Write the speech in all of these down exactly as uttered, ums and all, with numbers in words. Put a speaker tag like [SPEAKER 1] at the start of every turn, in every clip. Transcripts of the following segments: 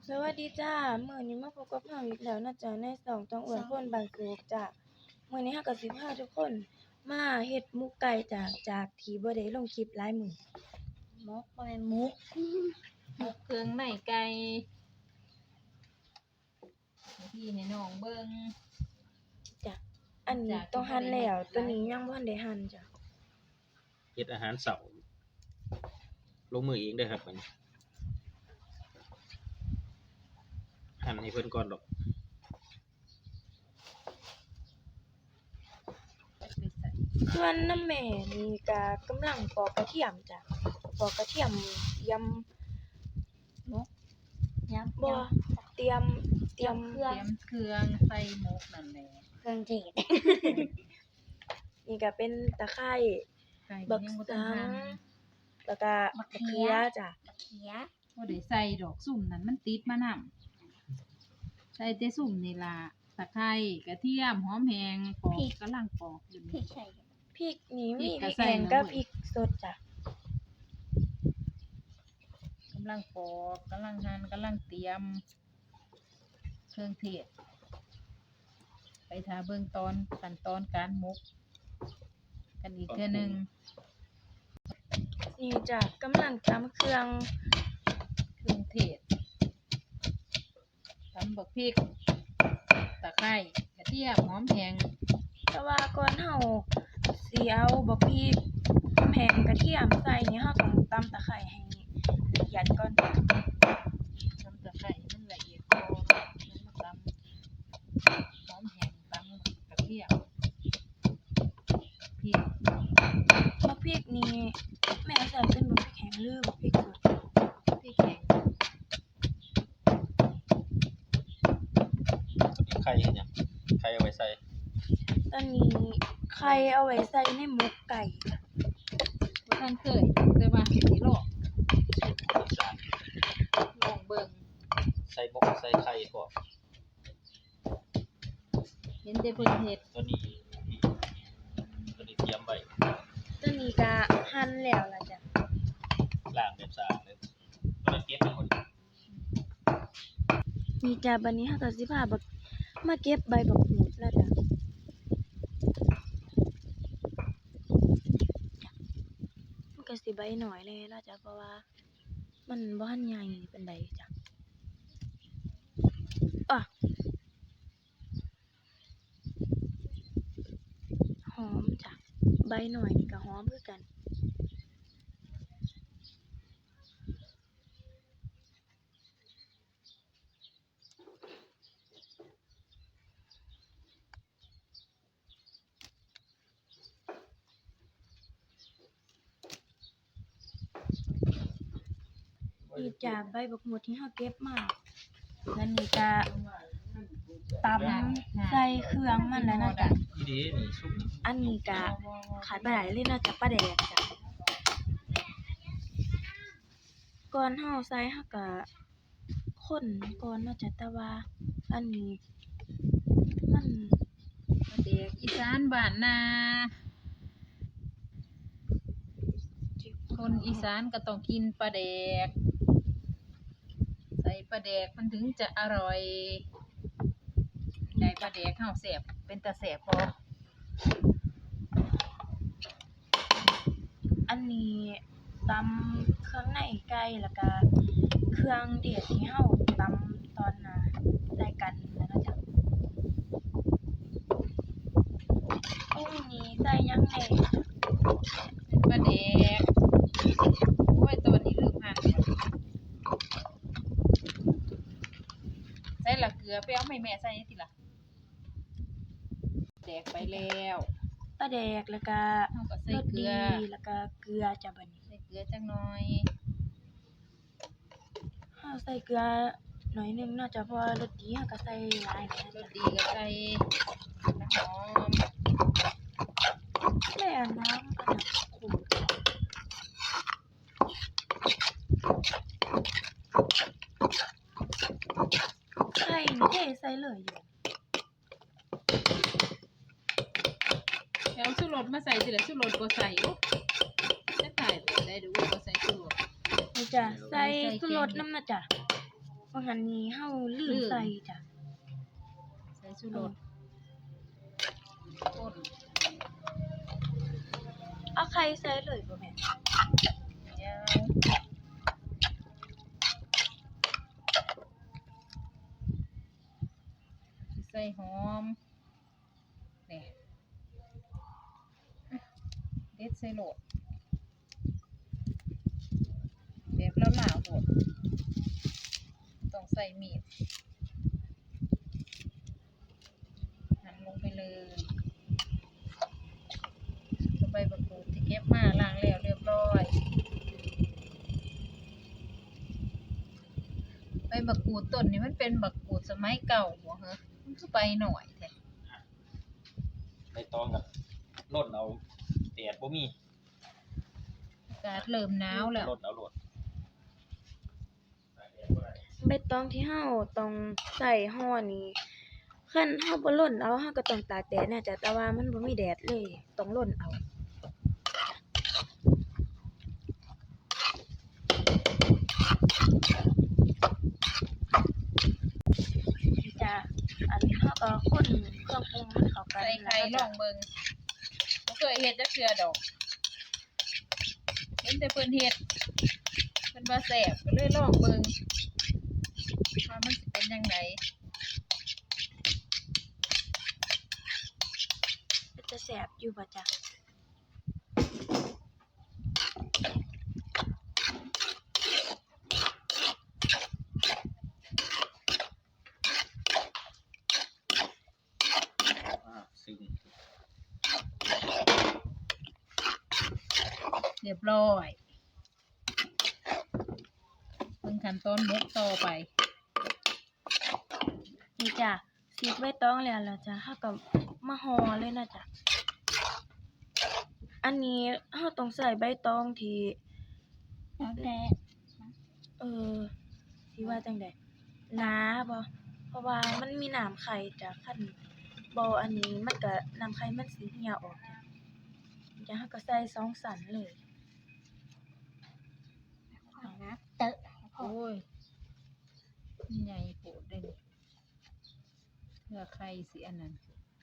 [SPEAKER 1] สวัสดีจ้ามื้อนี้มาพบกับเราอีกแล้วนะจ๊ะในช่องต้องอ้วนคนบ้านโศกจ้ะมื้อนี้เราก็สิพาทุกคนมาเฮ็ดหมกไก่จ้ะจากที่บ่ได้ลงคลิปหลายมื้อหมกบ่แม่นหมก
[SPEAKER 2] หมกเครื่องในไก่ให้พี่ให้น้องเบิ่ง
[SPEAKER 1] จ้ะอันนี้ต้องหั่นแล้วตัวนี้ยังบ่ทันได้หั่นจ้ะ
[SPEAKER 3] เฮ็ดอาหารเสาร์ลงมือเองเด้อครับมันหั่นให้เพิ่นก่อนดอก
[SPEAKER 1] ส่วนน้ำแม่นี่ก็กำลังปอกกระเทียมจ้ะปอกกระเทียมยำหมกยำบ่เตรียมเตรียม
[SPEAKER 2] เตรียมเครื่องใส่หมกนั่นแหละ
[SPEAKER 1] เครื่องเทศ นี่ก็เป็นตะไคร้
[SPEAKER 2] ไก่
[SPEAKER 1] บัก
[SPEAKER 2] ยังบ่
[SPEAKER 1] สั
[SPEAKER 2] ทัน
[SPEAKER 1] ง
[SPEAKER 2] หั่น
[SPEAKER 1] แล้วก็มะเขือจ้ะ
[SPEAKER 4] เขีย
[SPEAKER 2] บ่ได้ใส่ดอกสุ่มนั่นมันติดมานำใส่แต่สุ่มนี่ล่ะตะไคร้กระเทียมหอมแห้งปอกกำลังปอกอยู่
[SPEAKER 4] พี่
[SPEAKER 2] นี่
[SPEAKER 4] ใช่
[SPEAKER 1] พริกนี่มี
[SPEAKER 2] พริกก็
[SPEAKER 1] พริก
[SPEAKER 2] ใส่
[SPEAKER 1] แห้ง
[SPEAKER 2] ลง
[SPEAKER 1] กับ
[SPEAKER 2] เลย
[SPEAKER 1] พริกสดจ้ะ
[SPEAKER 2] กำลังปอกกำลังหั่นกำลังเตรียม เครื่องเทศไปท่าเบิ่งตอนขั้นตอนการหมก กันอีกเทื่อหนึง
[SPEAKER 1] นี่จ้ะกำลังตำเครื่อง
[SPEAKER 2] เครื่องเทศตำบักพริกตะไคร้กระเทียมหอมแห้ง
[SPEAKER 1] แต่ว่าก่อนเฮาสิเอาบักพริกหอมแห้งกระเทียมใส่นี่เฮาต้องตำตะไคร้ให้ละเอียดก่อนจ้ะ
[SPEAKER 2] ตำตะไคร้ให้มันละเอียดพอแล้วมาตำหอมแห้งตำกระเทียมพริก
[SPEAKER 1] บักพริกนี่แม่ใส่เป็นบักพริกแห้งหรือบักพริกสด
[SPEAKER 2] พริกแห้ง
[SPEAKER 3] ไข่เฮ็ดหยังไข่เอาไว้ใส่
[SPEAKER 1] ตอนนี้ไข่เอาไว้ใส่ในหมกไก่จ้ะ
[SPEAKER 2] บ่ทันเคยแต่ว่าสิลอง
[SPEAKER 3] จาน
[SPEAKER 2] ลองเบิ่ง
[SPEAKER 3] ใส่หมกใส่ไข่พร้อม
[SPEAKER 2] เห็นแต่เพิ่นเฮ็ด
[SPEAKER 3] ตัวนี้ตัวนี้เตรียมไว้
[SPEAKER 1] ตอนนี้ก็หั่นแล้วล่ะจ้ะ
[SPEAKER 3] ล้างแบบสะอาดเลยตัวนั้นเก็บไปหมด
[SPEAKER 1] นี่จ้ะบัดนี้เฮาก็สิพาบักมาเก็บใบบักหูดแล้วจ้ะมันก็สิใบน้อยเลยแล้วจ้ะเพราะว่ามันบ่ทันใหญ่ปานใดจ้ะอ่ะหอมจ้ะใบหน่อยนี่ก็หอมคือกันนี่จ้ะใบบักหมุดที่เฮาเก็บมาแล้วนี่ก็ตำใส่เครื่องมันแล้วนะจ๊ะ
[SPEAKER 3] อีเด้นี่ซุปนี่
[SPEAKER 1] อันนี้ก็ขาดบ่ได้เลยเนาะจ้ะปลาแดกจ้ะก่อนเฮาใส่เฮาก็คนก่อนเนาะจ้ะแต่ว่าอันนี้มัน
[SPEAKER 2] เด็กอีสานบ้านนาคนอีสานก็ต้องกินปลาแดก ใส่ปลาแดกมันถึงจะอร่อยได้ปลาแดกเฮาแซ่บเป็นตาแซ่บบ่
[SPEAKER 1] อันนี้ตำเครื่องในไก่แล้วก็เครื่องเทศที่เฮาตำตอนน่ะใส่กันแล้วเนาะจ้ะปรุงนี้ใส่หยังแหน่
[SPEAKER 2] เป็นปลาแดกโอ้ยตัวนี้ลืมหั่นใส่ละเกลือไปเอาให้แม่ใส่ติล่ะแดกไปแล้ว
[SPEAKER 1] ปลาแดกแล้วก็
[SPEAKER 2] เฮาก็ใส่
[SPEAKER 1] รส
[SPEAKER 2] เกลื
[SPEAKER 1] ดี
[SPEAKER 2] อ
[SPEAKER 1] แล้วก็เกลือจ้ะบัดนี้
[SPEAKER 2] ใส่เกลือจักหน่อย
[SPEAKER 1] เฮาใส่เกลือหน่อยหนึงเนาะจ้ะเพราะว่ารสดีเฮาก็ใส่หลายนะ
[SPEAKER 2] ร
[SPEAKER 1] จ๊ะ
[SPEAKER 2] สดีก็ใส่น้ำหอม
[SPEAKER 1] แม่อันน้ำอันน่ะขุ่นไข่นี่เทใส่เลยอยู่
[SPEAKER 2] แล้วชูรสมาใส่ติล่ะชูรสบ่ใส่โอ้จะถ่ายไปได้ดูว่าบ่ใส่ชูรส
[SPEAKER 1] นี่จ้ะใส่ชูรสน้ำนะจ้ะเพว่าหันนี้เฮาลื
[SPEAKER 2] ลื
[SPEAKER 1] ม
[SPEAKER 2] ม
[SPEAKER 1] ใส่จ้ะ
[SPEAKER 2] ใส่ชูรสป่น
[SPEAKER 1] เอาไข่ใส่เลยบ่แม่
[SPEAKER 2] เดี๋ยวสิใส่หอมนี่เด็ดใส่โหลดแบบแล้วหลาวโหดต้องใส่มีดหั่นลงไปเลยใบบักกูดที่เก็บมาล้างแล้วเรียบร้อยใบบักกูดต้นนี้มันเป็นบักกูดสมัยเก่าบ่เหรอมันคือใบหน่อยแท้
[SPEAKER 3] ใบตองกับร่นเอาแดดบ่มี
[SPEAKER 2] อากาศเริ่มหนาวแล้ว
[SPEAKER 3] ร่นเอาโลด
[SPEAKER 1] ใบตองที่เฮาต้องใส่ห่อนี้คันเฮาบ่ร่นเอาเฮาก็ต้องตากแดดน่ะจ้ะแต่ว่ามันบ่มีแดดเลยต้องร่นเอาจ้ะอันนี้เฮาก็คนเครื่องปรุงให้เข้ากัน
[SPEAKER 2] ใส่ไข่ลองเบิ่งบ่เคยเฮ็ดจักเทื่อดอก เห็นแต่เพิ่นเฮ็ดเพิ่นว่าแซ่บก็เลยลองเบิ่งว่ามันสิเป็นจังได
[SPEAKER 1] มันจะแซ่บอยู่บ่จ้ะ
[SPEAKER 3] อ่าซึ่ง
[SPEAKER 2] เรียบร้อยเบิ่งขั้นตอนหมกต่อไป
[SPEAKER 1] นี่จ้ะสีใบตองแล้วล่ะจ้ะเฮาก็มาห่อเลยนะจ้ะอันนี้เฮาต้องใส่ใบตองที่เออสิว่าจังได๋หนาบ่เพราะว่ามันมีน้ำไข่จ้ะคันบ่อันนี้มันก็น้ำไข่มันสิเหี่ยออกจ้ะจ้ะเฮาก็ใส่สองสันเลย
[SPEAKER 2] โอ้ยมันใหญ่โพดเด้นี่เพื่อไข่สิอันนั้น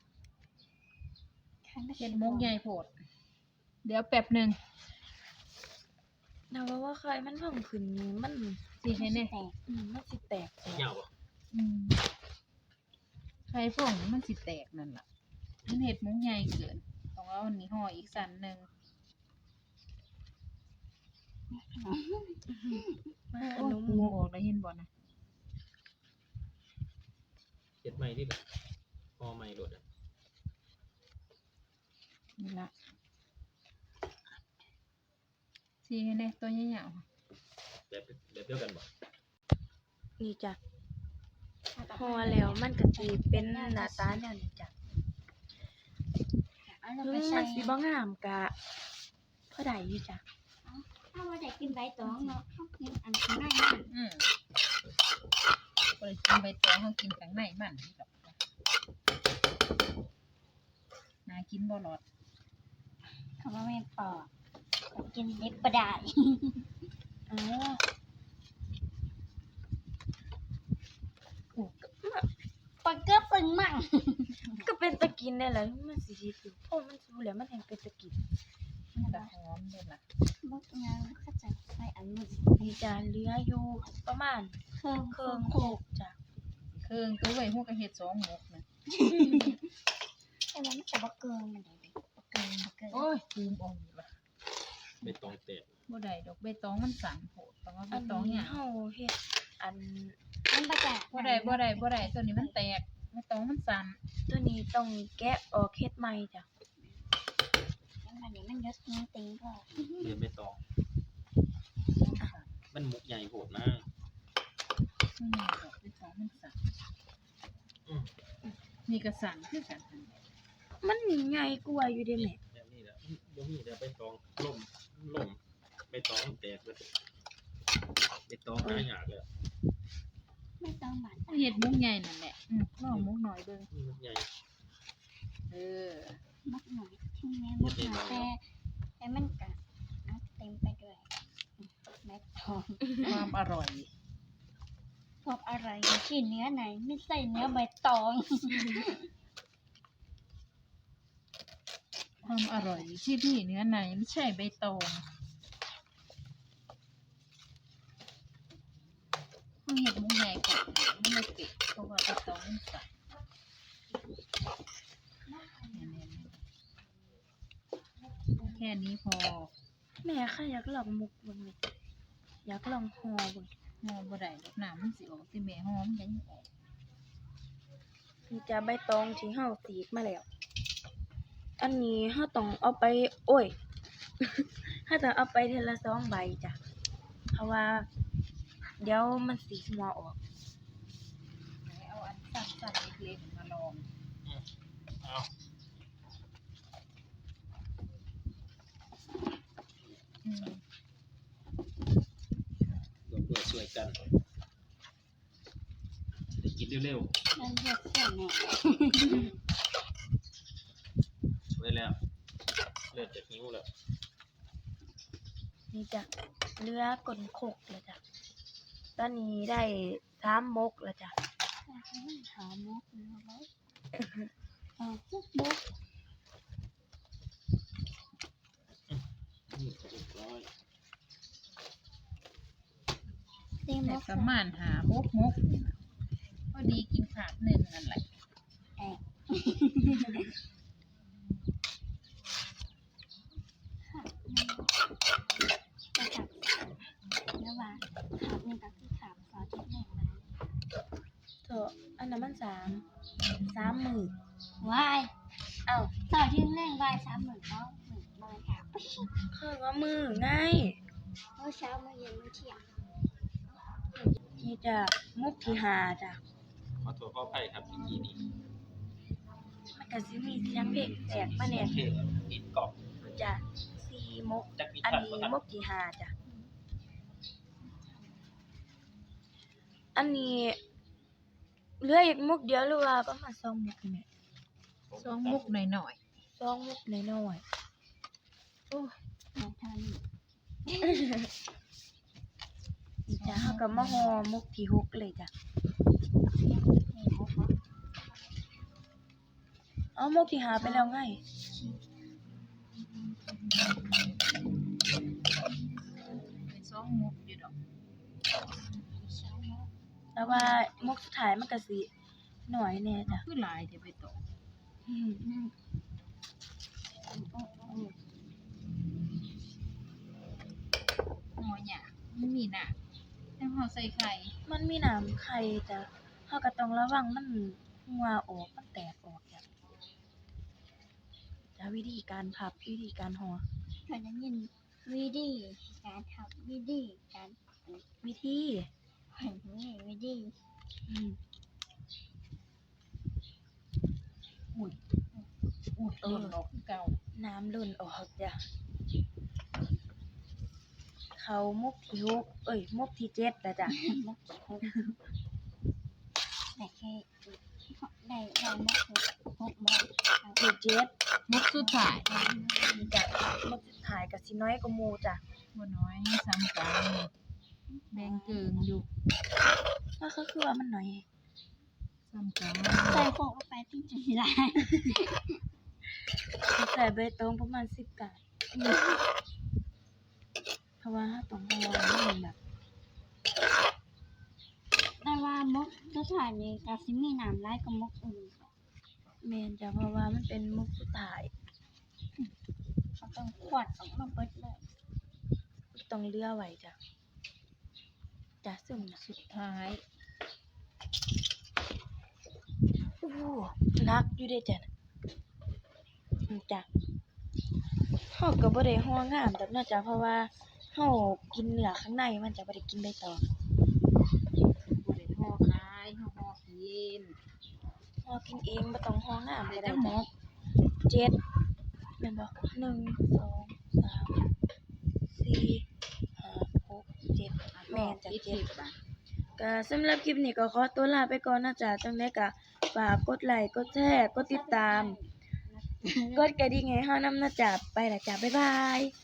[SPEAKER 2] เฮ็ดหมกใหญ่โพด เดี๋ยวแป๊บหนึง
[SPEAKER 1] นะว่าว่าไข่มันเพิ่มขึ้นนี่มัน
[SPEAKER 2] สิให้แน่
[SPEAKER 1] อืมมันสิแตกจ้ะ
[SPEAKER 3] เหงาบ่
[SPEAKER 2] อืมไข่ฟองนี่มันสิแตกนั่นล่ะมันเฮ็ดหมกใหญ่เกินต้องเอาอันนี้ห่ออีกสันหนึง
[SPEAKER 1] มาข
[SPEAKER 2] โอ้
[SPEAKER 1] น
[SPEAKER 2] ย
[SPEAKER 1] ม
[SPEAKER 2] ปูออกแล้วเห็นบ่นะ
[SPEAKER 3] เฮ็ดใหม่ดิล่ะพอใหม่โลดอะ
[SPEAKER 2] นี่ละสีให้แน่ตัวใหญ่ๆ
[SPEAKER 3] แบบแบบเดียวกันบ่
[SPEAKER 1] นี่จ้ะห่อแล้วมันก็สิเป็นหน้าตาแนวนี้จ้ะถึงมันสิบ่งามก็พอได้อยู่จ้ะ
[SPEAKER 4] ถ้าว่าได้กินใบตองเนาะเฮากินอันข้างในมัน
[SPEAKER 2] อืมบ่ได้กินใบตองเฮากินข้างในมันนี่ดอกน่ากินบ่หลอด
[SPEAKER 4] เขาว่าแม่นปอกกินเด็บบ่ได้
[SPEAKER 1] อ๋อ
[SPEAKER 4] ปอกเกือบปึงมั่ง
[SPEAKER 1] ก็เป็นตะกินได้แหละมันสิสิคือเพราะมันสุแล้วมันแห่งเป็นตะกิน
[SPEAKER 2] มันก็หอมเด้ล่ะ
[SPEAKER 4] บ่งานเขาจะใส่อันนี้
[SPEAKER 1] นี่จ้ะเหลืออยู่ประมาณ
[SPEAKER 4] เครื่อง
[SPEAKER 1] เครื่องโคกจ้ะ
[SPEAKER 2] เครื่องตัวไว้ฮู้ก็เฮ็ดสองหมกนะ
[SPEAKER 4] แต่ว่ามันจะบ่เกินมันได้ดิบ่เกินบ่เกิน
[SPEAKER 2] โอ้ยลืมเออกล่ะ
[SPEAKER 3] ใบตองแตก
[SPEAKER 2] บ่ได้ดอกใบตองมันสั่นโพดต้องเอาใบ
[SPEAKER 1] อัน
[SPEAKER 2] ตองห
[SPEAKER 1] นี้
[SPEAKER 2] ยาง
[SPEAKER 1] เฮาเฮ็ดอัน
[SPEAKER 4] มันบ่จะ
[SPEAKER 2] บ่ได้บ่ได้บ่ได้ตัวนี้มันแตกใบตองมันสั่น
[SPEAKER 1] ตัวนี้ต้องแกะออกเฮ็ดใหม่จ้ะ
[SPEAKER 4] มันนี้มันยศนี้ติงก็
[SPEAKER 3] เรียนใบตอง มันมุกใหญ่โพดนะ
[SPEAKER 2] มันใหญ่ดอกใบตองมันสั่น
[SPEAKER 3] อืม
[SPEAKER 2] นี่ก็สั่นคือกัน
[SPEAKER 1] มันใหญ่กว่าอยู่เด้แม่
[SPEAKER 3] แบบนี้แหละบ่มีแต่ใบตองล่มล่มใบตองแตกเลยใบตองหายากเลย
[SPEAKER 4] ไม่ต้องบาด
[SPEAKER 2] เฮ็ดหมกใหญ่นั่นแหละอืมลองหมกหน่อยเบิ่ง
[SPEAKER 3] นี่มุกใหญ่
[SPEAKER 2] เออ
[SPEAKER 4] มักหน่อยที่แม่มักหน่อยแต่แต่มันก็เอาเต็มไปด้วยแม่ทอง
[SPEAKER 2] ความอร่อย
[SPEAKER 4] ความอร่อยอยู่ที่เนื้อไหนไม่ใส่เนื้อใบตอง
[SPEAKER 2] ความอร่อยอยู่ที่ที่เนื้อในไม่ใช่ใบตองเขาเห็ดหมูใหญ่กว่าไม่ได้เปะเพราะว่าใบตองมันใส่แค่นี้พอ
[SPEAKER 1] แม่ค่ะอยากลองมุกเบิ่งเลยอยากลองห่อเบิ่ง
[SPEAKER 2] หอมบ่ได้ดอกน้ำมันสิออกที่แม่หอมยังออก
[SPEAKER 1] นี่จะใบตองที่เฮาสีกมาแล้ว อันนี้เฮาต้องเอาไป โอ้ย เฮาต้องเอาไปเทอละสองใบจ้ะ เพราะว่า เดี๋ยวมันสิหัวออก
[SPEAKER 2] ไหนเอาอันสั้นๆเล็กๆมาลอง
[SPEAKER 3] เอา
[SPEAKER 2] อืม
[SPEAKER 3] รวมด้วยช่วยกันได้กินเร็ว
[SPEAKER 4] นั่นเรียกเสียแน่
[SPEAKER 3] ๆไว้แล้วเริ่มจะหิวแล้ว
[SPEAKER 1] นี่จ้ะเรือกลนโคกแล้วจ้ะ ตอนนี้ได้สามมกแล้วจ้ะ
[SPEAKER 4] หามุกเนื้อไว้เอาจุกบุก
[SPEAKER 3] นี่ก็เรียบร้อย
[SPEAKER 4] เต็ม
[SPEAKER 2] แต่
[SPEAKER 4] มุก
[SPEAKER 2] ประมาณหาหกมกนี่นะพอดีกินขาดหนึ่งนั่นแหละ
[SPEAKER 4] แอะจะขับเนื้อหวานขับหนึ่งกับที่ขับซอสที่หนึ่งมา
[SPEAKER 1] เถอะอันนั้นมันสามสามหมื่น
[SPEAKER 4] วาย
[SPEAKER 1] เอ้า
[SPEAKER 4] ซอสที่หนึ่งวายสามหมื่นก็หมื่นบอยค่ะ
[SPEAKER 1] คือว่ามือไง
[SPEAKER 4] เมื่อเช้าเมื่อเย็นเมื่อเที่ยง
[SPEAKER 1] นี่จ้ะมุกที่หาจ้ะ
[SPEAKER 3] ขอโทษขออภัยครับเมื่อกี้นี้
[SPEAKER 1] มันก็สิมีเสียงเพลงแตกมาแน่
[SPEAKER 3] เพลงติดกล่อง
[SPEAKER 1] จ้ะสี่มก
[SPEAKER 3] จักมี
[SPEAKER 1] อัน
[SPEAKER 3] ทัน
[SPEAKER 1] นี้
[SPEAKER 3] บ่ทัน
[SPEAKER 1] มกที่หาจ้ะ อันนี้เหลืออีกมุกเดียวหรือว่าประมาณสองมุกนี่แหละ
[SPEAKER 2] สองมุกหน่อย
[SPEAKER 1] สองมุกน้อยๆโอ้ย
[SPEAKER 4] มาทาน
[SPEAKER 1] นี่จ้ะเฮาก็มาห่อมุกที่หกเลยจ้ะ
[SPEAKER 4] นี่มุกเนาะ
[SPEAKER 1] เอามุกที่หาไปแล้วไง
[SPEAKER 2] ๆเป็นสองมุกอยู่ดอก
[SPEAKER 4] เช้าเนาะ
[SPEAKER 1] แต่ว่ามุกสุดท้ายมันก็สิหน่อยแน่จ้ะ
[SPEAKER 2] คือหลายเดี๋ยวไปตก
[SPEAKER 1] อืม
[SPEAKER 4] อืมโอ้โอ้
[SPEAKER 2] หอหยาไม่มีหนักแต่พอใส่ไข่
[SPEAKER 1] มันมีน้ำไข่จ้ะเฮาก็ต้องระวังมันหัวออกมันแตกออกจ้ะจ้ะวิธีการพับวิธีการห่อ
[SPEAKER 4] เคยได้ยินวิธีการทำวิธีการ
[SPEAKER 1] วิธี
[SPEAKER 4] เห็นนี่วิธี
[SPEAKER 1] อืม
[SPEAKER 2] อุ้ยอุ้ยเออดอกคือเก่า
[SPEAKER 1] น้ำล้นออกจ้ะเขามุกที่หกเอ้ยมุกที่เจ็ดแล้วจ้ะ
[SPEAKER 4] มุกหกแต่แค่ได้ได้มุกหกหกมุกเอา
[SPEAKER 1] ที่เจ็ด
[SPEAKER 2] มุกสุดท้าย
[SPEAKER 1] นี่จ้ะมุกสุดท้ายก็สิน้อยกว่าหมู่จ้ะ
[SPEAKER 2] บ่น้อยซ้ำกันแบ่งเกิงอยู่
[SPEAKER 1] ก็คือคือว่ามันน้อย
[SPEAKER 2] ซ้ำกัน
[SPEAKER 4] ใส่โคกเข้าไปที่จุดที่ไร
[SPEAKER 1] ใส่ใบตองประมาณสิบกะเพราะว่าต้องห่อให้มันแบบ
[SPEAKER 4] ได้ว่ามุกสถานีกับซิมีน้ำไล่กับมุกอื่น
[SPEAKER 1] แม่นจ้ะเพราะว่ามันเป็นมุกสุดท้าย
[SPEAKER 4] เขาต้องขวดออกมาเบิดเลย
[SPEAKER 1] ต้องเหลือไว้จ้ะจ้ะซึ่งน่ะ
[SPEAKER 2] สุดท้าย
[SPEAKER 1] โอ้โหนักอยู่เด้จ้ะน่ะอืมจ้ะเฮาก็บ่ได้ห่องามดอกเนาะจ้ะเพราะว่าเฮากินเนื้อข้างในมันจะบ่ได้กินใบตอง
[SPEAKER 2] บ่ได้ห่อขายห่อห่อกิน
[SPEAKER 1] เฮากินเองบ่ต้องห่องาม
[SPEAKER 2] ได้
[SPEAKER 1] ก็
[SPEAKER 2] แต่
[SPEAKER 1] ได้
[SPEAKER 2] หม
[SPEAKER 1] จ้ะ
[SPEAKER 2] ก
[SPEAKER 1] เจ็ดแม่นบ่หนึ่ง สอง สาม สี่ ห้า หก เจ็ดแม่นจ้ะ
[SPEAKER 2] ยี่
[SPEAKER 1] เจ็
[SPEAKER 2] สิ
[SPEAKER 1] ด
[SPEAKER 2] บอ่ะ
[SPEAKER 1] ก็สำหรับคลิปนี้ก็ขอตัวลาไปก่อนนะจ๊ะจังได๋ก็ฝากกดไลค์กดแชร์กดติดตาม กดกระดิ่งให้เฮานำนะจ๊ะไปละจ้ะบ๊ายบาย